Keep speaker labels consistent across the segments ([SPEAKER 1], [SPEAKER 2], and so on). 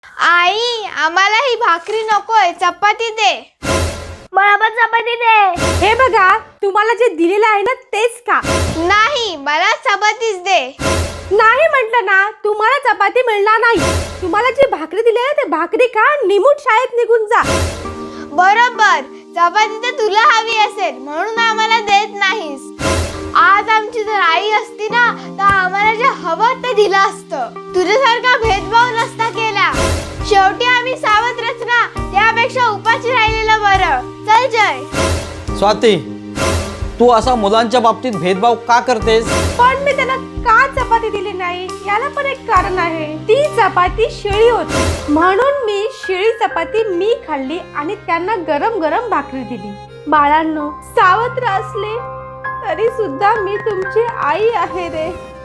[SPEAKER 1] आई, आम्हाला ही भाकरी नकोय, चपाती दे.
[SPEAKER 2] मला पण चपाती दे.
[SPEAKER 3] हे बघा, तुम्हाला जे दिलेलं आहे ना तेच का?
[SPEAKER 1] नाही, मला चपातीच दे.
[SPEAKER 3] नाही म्हटलं ना, तुम्हाला चपाती मिळणार नाही. तुम्हाला जी भाकरी दिली आहे ते भाकरी खा, निमूट शाळेत निघून जा.
[SPEAKER 1] बरोबर, चपाती तर तुला हवी असेल म्हणून आम्हाला देत नाहीस. आज आमची जर आई असती ना तर आम्हाला जे हवं ते दिलं असतं. तुझ्यासारखा भेदभाव नसता केला. शेवटी आम्ही सावत्रच ना, त्यापेक्षा उपाशी राहिलेलं बरं. चल जय.
[SPEAKER 4] स्वाती, तू असा मुलांच्या बाबतीत भेदभाव का करतेस?
[SPEAKER 3] पण मी त्याला का चपाती दिली नाही याला पण एक कारण आहे. ती चपाती शिळी होती म्हणून मी शिळी चपाती मी खाल्ली आणि त्यांना गरम गरम भाकरी दिली. बाळांनो, सावत्र असले तरी सुद्धा मी तुमची आई आहे रे.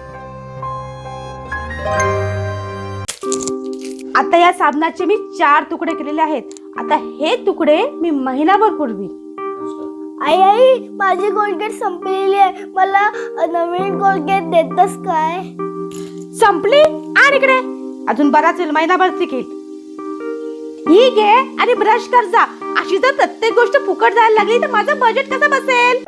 [SPEAKER 3] आता या साबणाचे मी 4 तुकडे केलेले आहेत. आता हे तुकडे मी महिनाभर पुरवीन.
[SPEAKER 2] आई आई, माझी कोलगेट संपलेली आहे. मला नवीन कोलगेट देतस काय?
[SPEAKER 3] संपली? आणि इकडे अजून बराच वेळ, महिनाभर टिकेल. ही घे आणि ब्रश कर जा. अशी जर प्रत्येक गोष्ट फुकट जायला लागली तर माझं बजेट कसं बसेल?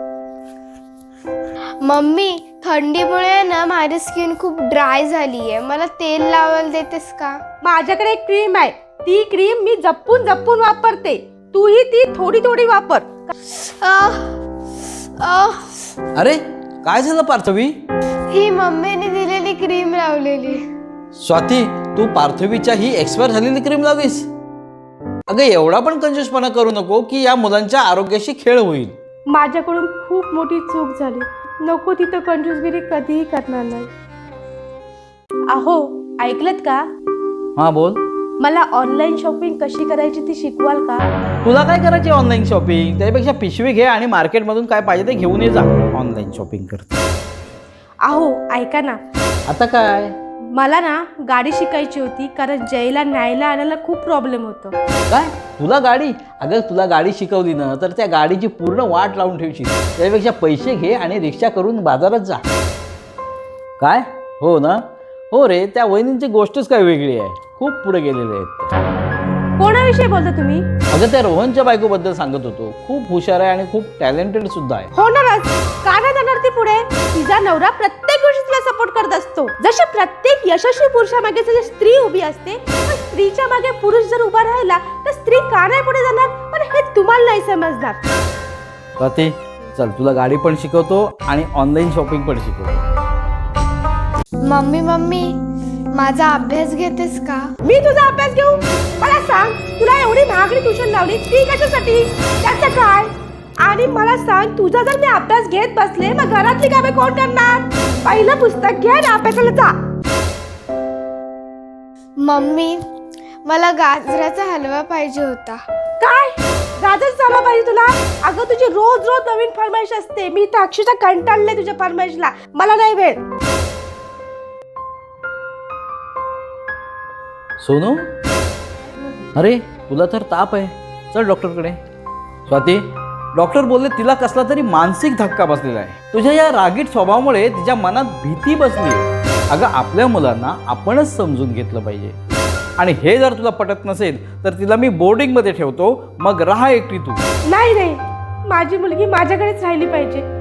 [SPEAKER 1] मम्मी, थंडीमुळे ना माझी स्किन खूप ड्राय झाली आहे. मला तेल लावायला देतेस का?
[SPEAKER 3] माझ्याकडे एक क्रीम आहे. ती क्रीम मी जपून जपून वापरते. तूही ती थोडी थोडी वापर.
[SPEAKER 1] आह, आह.
[SPEAKER 4] अरे काय झालं पार्थवी?
[SPEAKER 1] ही मम्मीने दिलेली क्रीम लावलेली.
[SPEAKER 4] स्वाती, तू पार्थवीच्या ही एक्सपायर झालेली क्रीम लावलीस? अगं, एवढा पण कंजूसपणा करू नको की या मुलांच्या आरोग्याशी खेळ होईल.
[SPEAKER 3] माझ्याकडून खूप मोठी चूक झाली. नको तिथं कंजूसगिरी कधीही करणार नाही. अहो, ऐकलत का?
[SPEAKER 4] हा बोल.
[SPEAKER 3] मला ऑनलाईन शॉपिंग कशी करायची ती शिकवाल का?
[SPEAKER 4] तुला काय करायची ऑनलाईन शॉपिंग? त्यापेक्षा पिशवी घे आणि मार्केटमधून काय पाहिजे ते घेऊन ये जा. ऑनलाईन शॉपिंग करते.
[SPEAKER 3] अहो, ऐका ना.
[SPEAKER 4] आता काय?
[SPEAKER 3] मला ना गाडी शिकायची होती कारण जयला न्यायला आणायला खूप प्रॉब्लेम होतो.
[SPEAKER 4] काय तुला गाडी? अगं, तुला गाडी शिकवली ना तर त्या गाडीची पूर्ण वाट लावून ठेवशील. त्यापेक्षा पैसे घे आणि रिक्षा करून बाजारात जा. काय? हो ना? हो रे, त्या वहिनींची गोष्टच काय वेगळी आहे. खूप पुढे गेलेले आहेत त्या.
[SPEAKER 3] कोणाविषयी बोलता तुम्ही?
[SPEAKER 4] अगं, त्या रोहनच्या बायकोबद्दल सांगत होतो. खूप हुशार आहे आणि खूप टॅलेंटेड सुद्धा आहे.
[SPEAKER 3] होणारच. का नाही जाणार ती पुढे? तिचा नवरा प्रत्येक गोष्टीत तिला सपोर्ट करत असतो. जशी प्रत्येक यशस्वी पुरुषामागे जशी स्त्री उभी असते, पण स्त्रीच्या मागे पुरुष जर उभा राहिला तर स्त्री का नाही पुढे जाणार? पण हे तुम्हाला नाही समजणार.
[SPEAKER 4] स्वाती, चल तुला गाडी पण शिकवतो आणि ऑनलाईन शॉपिंग पण शिकवतो.
[SPEAKER 1] मम्मी मम्मी, माझा अभ्यास घेतेस का?
[SPEAKER 3] मी तुझा अभ्यास घेऊ? मला सांग, तुला एवढी महागडी ट्युशन लावली ती कशासाठी? त्याचं काय? आणि मला सांग, तुझा जर मी अभ्यास घेत बसले मग घरातली कामे कोण करणार? पहिलं पुस्तक घे आणि अभ्यासाला जा.
[SPEAKER 1] मम्मी, मला गाजराचा हलवा पाहिजे होता.
[SPEAKER 3] काय? गाजर झाला पाहिजे तुला? अगं, तुझी रोज रोज नवीन फरमाईश असते. मी तर अक्षरशः कंटाळले तुझ्या फरमाईशला. मला नाही वेळ.
[SPEAKER 4] सोनू, अरे तुला तर ताप आहे. चल डॉक्टरकडे. स्वाती, डॉक्टर बोलले तिला कसला तरी मानसिक धक्का बसलेला आहे. तुझ्या या रागीट स्वभावामुळे तिच्या मनात भीती बसली आहे. अगं, आपल्या मुलांना आपणच समजून घेतलं पाहिजे. आणि हे जर तुला पटत नसेल तर तिला मी बोर्डिंगमध्ये ठेवतो, मग राहा एकटी तू.
[SPEAKER 3] नाही नाही, माझी मुलगी माझ्याकडेच राहिली पाहिजे.